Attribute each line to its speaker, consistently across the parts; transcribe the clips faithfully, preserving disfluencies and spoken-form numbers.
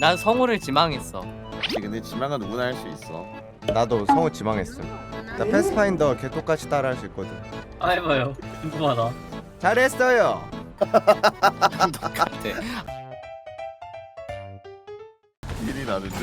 Speaker 1: 난 성우를 지망했어.
Speaker 2: 근데 지망은 누구나 할 수 있어.
Speaker 3: 나도 성우 지망했음. 나 패스파인더 걔 똑같이 따라할 수 있거든.
Speaker 4: 아 해봐요. 궁금하다.
Speaker 3: 잘했어요.
Speaker 1: 똑같아.
Speaker 2: 일이 나는데?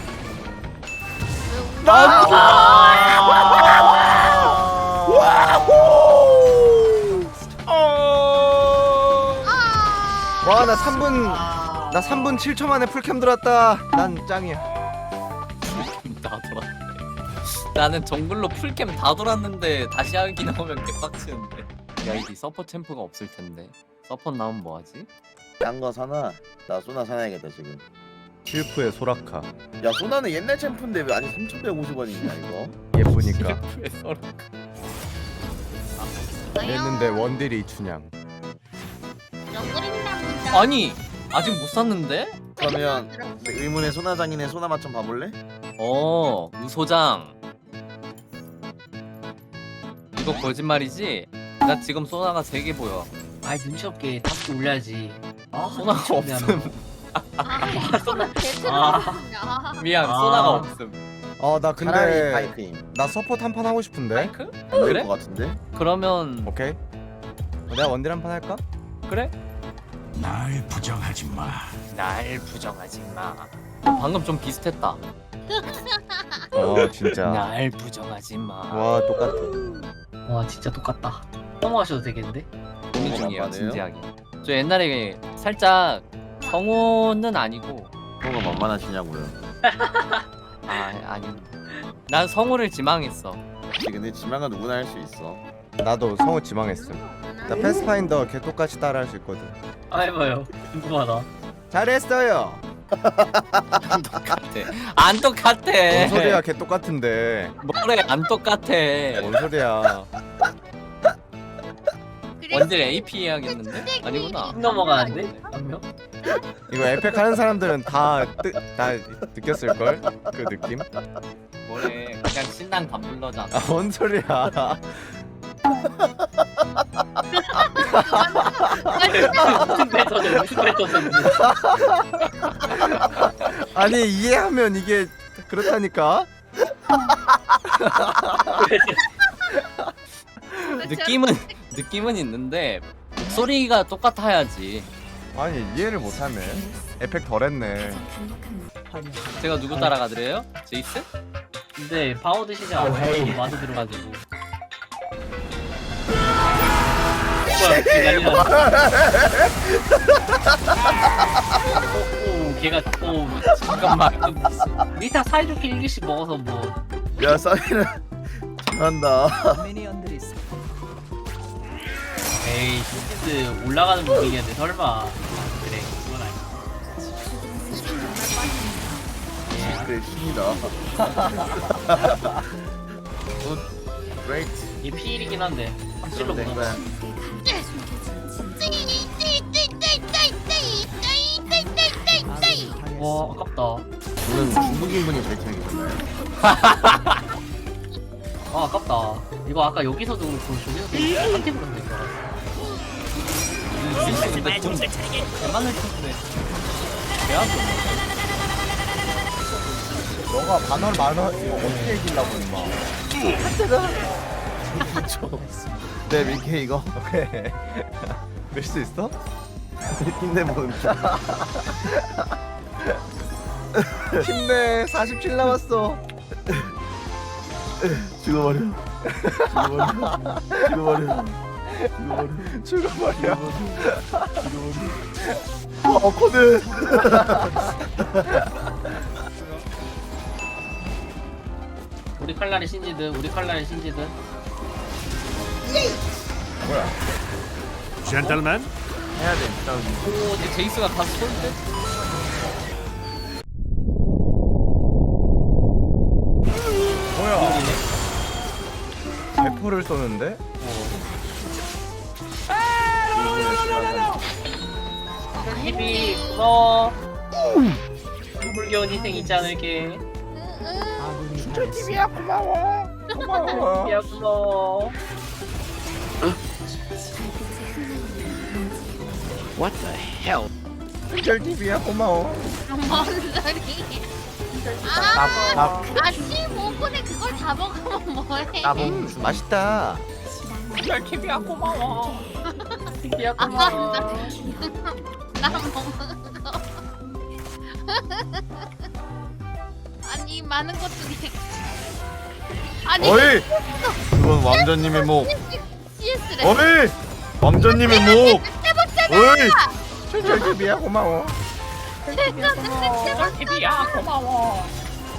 Speaker 3: 와, 나 삼 분 나 삼 분 칠 초 만에 풀캠 들었다. 난 짱이야.
Speaker 1: 다 돌았네. 나는 정글로 풀캠 다 돌았는데 다시 하기 나오면 개빡치는데. 야, 이디 서포 챔프가 없을 텐데. 서포 나오면 뭐하지?
Speaker 2: 딴 거 사나? 나 소나 사놔야겠다 지금.
Speaker 3: 실프의 소라카.
Speaker 2: 야 소나는 옛날 챔프인데 왜 아니 삼천백오십 원이냐 이거?
Speaker 3: 예쁘니까.
Speaker 1: 왜 서로
Speaker 3: 했는데 원딜이 이춘향.
Speaker 1: 아니 아직 못 샀는데?
Speaker 2: 그러면 의문의 소나장이네. 소나 맛 좀 봐볼래?
Speaker 1: 어 우소장. 이거 거짓말이지? 나 지금 소나가 세 개 보여.
Speaker 4: 아이 눈치 없게 다섯 개 올려야지. 아
Speaker 1: 소나가
Speaker 4: 눈치 없네,
Speaker 1: 없음.
Speaker 4: 하면.
Speaker 5: 쏘나
Speaker 4: 아.
Speaker 1: 미안,
Speaker 4: 아.
Speaker 1: 소나가 없음.
Speaker 3: 어, 나
Speaker 2: 차라리
Speaker 3: 근데
Speaker 2: 파이크임.
Speaker 3: 나 서포트 한 판 하고 싶은데.
Speaker 1: 마이크?
Speaker 2: 안 될
Speaker 1: 그래?
Speaker 2: 것 같은데?
Speaker 1: 그러면
Speaker 3: 오케이. 내가 원딜 한 판 할까?
Speaker 1: 그래?
Speaker 6: 날 부정하지 마.
Speaker 1: 날 부정하지 마. 방금 좀 비슷했다.
Speaker 3: 어, 진짜.
Speaker 1: 날 부정하지 마.
Speaker 3: 와, 똑같아.
Speaker 4: 와 진짜 똑같다. 넘어가셔도 되겠는데?
Speaker 1: 고민
Speaker 2: 어,
Speaker 1: 중이에요,
Speaker 2: 만만해요?
Speaker 1: 진지하게. 저 옛날에 살짝 성우는 아니고
Speaker 2: 뭐가 만만하시냐고요.
Speaker 1: 아 아니. 난 성우를 지망했어.
Speaker 2: 근데 지망은 누구나 할 수 있어.
Speaker 3: 나도 성우 지망했음. 나 패스파인더 걔 똑같이 따라할 수 있거든.
Speaker 4: 아 해봐요. 궁금하다.
Speaker 3: 잘했어요.
Speaker 1: 안 똑같아. 안 똑같아.
Speaker 3: 뭔 소리야? 걔 똑같은데.
Speaker 1: 뭐래? 안 똑같아.
Speaker 3: 뭔 소리야?
Speaker 1: 원딜 에이피 해야겠는데? 아니구나.
Speaker 4: 쭉 넘어가는데 한 명?
Speaker 3: 이거 에펙 하는 사람들은 다, 뜨, 다 느꼈을 걸? 그 느낌?
Speaker 1: 뭐래? 그냥 신랑 밥 불러잖아.
Speaker 3: 아, 뭔 소리야?
Speaker 4: 무슨 패턴이 무슨 패턴인지.
Speaker 3: 아니, 이해하면 이게 그렇다니까?
Speaker 1: 느낌은 느낌은 있는데 목소리가 똑같아야지.
Speaker 3: 아니, 이해를 못하네. 에펙 덜했네.
Speaker 1: 제가 누구 따라가드려요? 제이스?
Speaker 4: 근데 방어 드시지 않아요? 와드 들어가지고. 뭐야 걔 난리 났어. 오, 오 걔가 오
Speaker 1: 잠깐만.
Speaker 4: 리타 사이좋게 일 개씩 먹어서 뭐.
Speaker 2: 야 싸이는 잘한다.
Speaker 4: 에이 신지스 올라가는 분위기인데 설마. 그래 그건 아니야.
Speaker 2: 그래 신이다. 굿. 그레이트.
Speaker 4: 얘 피일이긴 한데 확실로
Speaker 2: 그럼 된
Speaker 4: 보나.
Speaker 2: 거야.
Speaker 4: 와 아깝다.
Speaker 2: 저는 중국인 분이 잘 챙기셨나요?
Speaker 4: 아 아깝다. 이거 아까 여기서도 그렇고 저기서도 한 팀으로 된줄 알았어.
Speaker 1: 제이스 근데 좀 대만을 쳤네. 대학교.
Speaker 3: 너가 반월 만원 어떻게 이기려고 임마.
Speaker 2: 네 밀케 이거.
Speaker 3: 오케이. 밀 수 있어?
Speaker 2: 힘내보는.
Speaker 3: 힘내. 사십칠 남았어.
Speaker 2: 죽어버려. 죽어버려. 죽어버려.
Speaker 3: 죽어버려.
Speaker 2: 어 코드.
Speaker 4: 우리 칼날의 신지든 우리 칼날의 신지든.
Speaker 3: 뭐야?
Speaker 6: 젠틀맨.
Speaker 2: 해야 돼. 싸우기.
Speaker 1: 오, 근데 제이스가 가서 쏠 때?
Speaker 3: 뭐야? 대포를 쏘는데?
Speaker 4: 헤비 고마워. 불겨운 희생 잊지 않을게.
Speaker 3: 진짜 티비야 고마워. 고마워.
Speaker 4: 야 고마워.
Speaker 1: What the hell?
Speaker 3: 춘절 티비야 고마워.
Speaker 5: 뭔 소리?
Speaker 3: 나-
Speaker 5: 아,
Speaker 3: 나-
Speaker 5: 아침 오 분에 그걸 다 먹으면 뭐해?
Speaker 3: 음, 맛있다.
Speaker 1: 별 티비야 고마워.
Speaker 4: 티비야
Speaker 5: 아,
Speaker 4: 고마워.
Speaker 5: 나 먹어. 아니 많은 것 중에 아니
Speaker 2: 어이! 그건 왕자님의 목.
Speaker 5: 씨에스래.
Speaker 2: 어이! 왕자님의 목. 어이!
Speaker 3: 춘절 티비야 고마워.
Speaker 1: 티비야 고마워.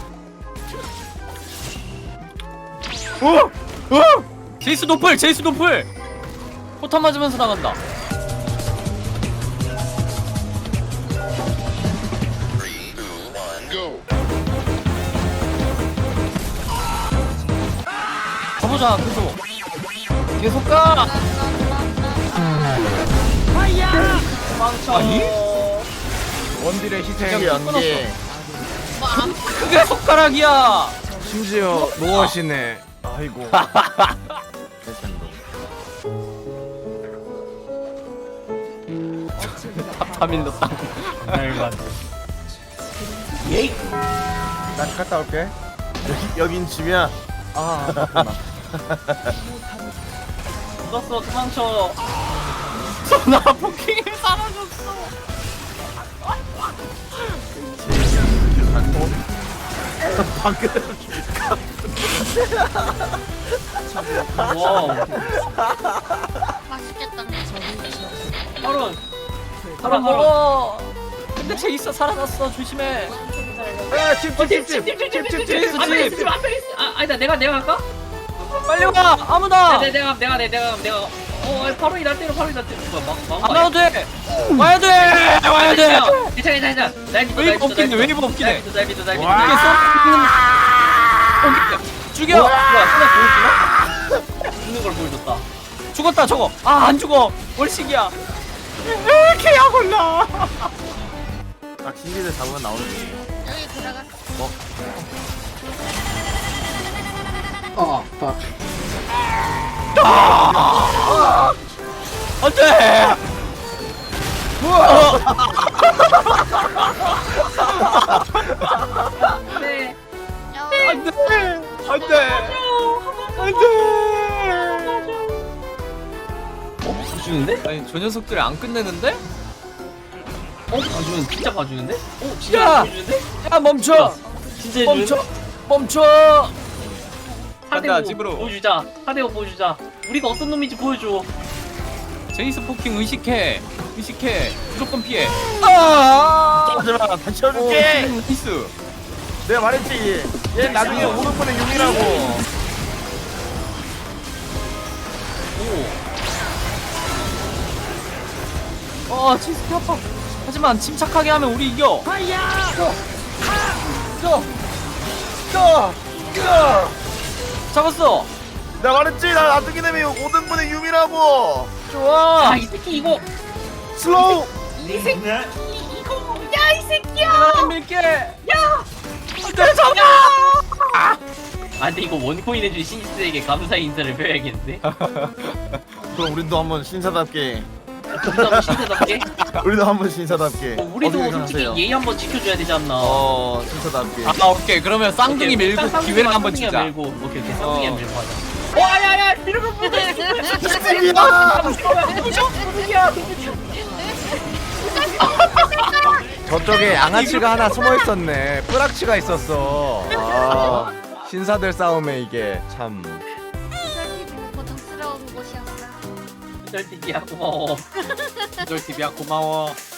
Speaker 2: 어! 어!
Speaker 1: 제이스 노플 제이스 노플. 포탄 맞으면서 나간다. 가보자 계속 계속 가. 아니?
Speaker 3: 원딜의 희생.
Speaker 2: 이게 연계.
Speaker 5: 뭐안
Speaker 1: 그게 손가락이야.
Speaker 3: 심지어 노어시네. 아이고.
Speaker 1: 파밀로 땅.
Speaker 4: 날만.
Speaker 3: 난 갔다 올게.
Speaker 2: 여기, 여긴 집이야.
Speaker 3: 아, 아깝구나.
Speaker 1: 죽었어 도망쳐. 나 포킹이 사라졌어.
Speaker 4: 와.
Speaker 5: 맛있겠다.
Speaker 4: 바로.
Speaker 1: 살아 먹어. 근데 제이스 살아났어 조심해.
Speaker 3: 야, 집집집집.
Speaker 1: 제이스
Speaker 4: 앞에
Speaker 1: 집.
Speaker 4: 있어 앞에 있어. 아 아니다 내가 내가 할까?
Speaker 1: 빨리 와 아무나.
Speaker 4: 네, 내가 내가 내 내가 내가 어 바로 이날 때로 바로 이날 때로 막막
Speaker 1: 안 나와도 돼. 와야 돼. 와야 돼.
Speaker 4: 괜찮아 괜찮아 괜찮아. 날 믿어
Speaker 1: 웨이브 없긴 해, 웨이브 없긴 해.
Speaker 4: 날 믿어 날 믿어 날 믿어.
Speaker 1: 이게 쏘는 죽여.
Speaker 4: 뭐야 하나 보여주나? 죽는 걸 보여줬다.
Speaker 1: 죽었다 저거. 아 안 죽어. 월식이야. 개야 골라.
Speaker 2: 딱 신기들 잡으면 나오는 거.
Speaker 5: 여기 들어가.
Speaker 4: 어,
Speaker 1: 안돼.
Speaker 4: 네.
Speaker 5: 야,
Speaker 1: 안돼. 안돼. 안돼.
Speaker 4: 어? 봐주는데?
Speaker 1: 아니 저 녀석들이 안 끝내는데?
Speaker 4: 어? 봐주는 진짜 봐주는데? 어? 진짜
Speaker 1: 야!
Speaker 4: 봐주는데?
Speaker 1: 야 멈춰.
Speaker 4: 진짜 해주는데?
Speaker 1: 멈춰. 멈춰.
Speaker 4: 사대오
Speaker 1: 간다, 집으로.
Speaker 4: 보여주자. 사대오 보여주자. 우리가 어떤 놈인지 보여줘.
Speaker 1: 제이스 포킹 의식해. 의식해. 무조건 피해. 아!
Speaker 2: 하지마, 다
Speaker 1: 오,
Speaker 2: 치워줄게.
Speaker 1: 나이스.
Speaker 2: 내가 말했지. 얘 나중에 오는 분의 용이라고.
Speaker 1: 오. 어, 제이스 피 아파. 하지만 침착하게 하면 우리 이겨. 잡았어.
Speaker 2: 내가 말했지. 나 나중에 되면 오는 분의 용이라고.
Speaker 1: 좋아.
Speaker 4: 아, 이 새끼 이거.
Speaker 2: 슬로우.
Speaker 4: 이 새끼 이거.
Speaker 1: 내가 밀게. 야. 안돼 잡아.
Speaker 4: 아, 근데 이거 원코인 해준 신스에게 감사의 인사를 표해야겠는데?
Speaker 2: 그럼 우리도 한번 신사답게.
Speaker 4: 우리도 한번 신세답게?
Speaker 2: 우리도 한번 신사답게.
Speaker 4: 어, 우리도
Speaker 2: 어떻게
Speaker 4: 솔직히
Speaker 2: 생각하세요?
Speaker 4: 예의 한번 지켜줘야 되지 않나?
Speaker 2: 어, 신사답게.
Speaker 1: 아 오케이 그러면 쌍둥이
Speaker 4: 오케이,
Speaker 1: 밀고
Speaker 4: 쌍둥이만,
Speaker 1: 기회를 한번
Speaker 4: 쌍둥이만
Speaker 1: 주자.
Speaker 4: 밀고. 오케이 오케이 쌍둥이
Speaker 1: 어.
Speaker 4: 밀고 하자. 어 아야야 이러면
Speaker 3: 저쪽에 양아치가 하나 숨어 있었네. 뿌락치가 있었어. 아, 신사들 싸움에 이게 참.
Speaker 5: 고통스러운 곳이었어.
Speaker 4: 절대야 고마워.
Speaker 1: 절 티비야 고마워.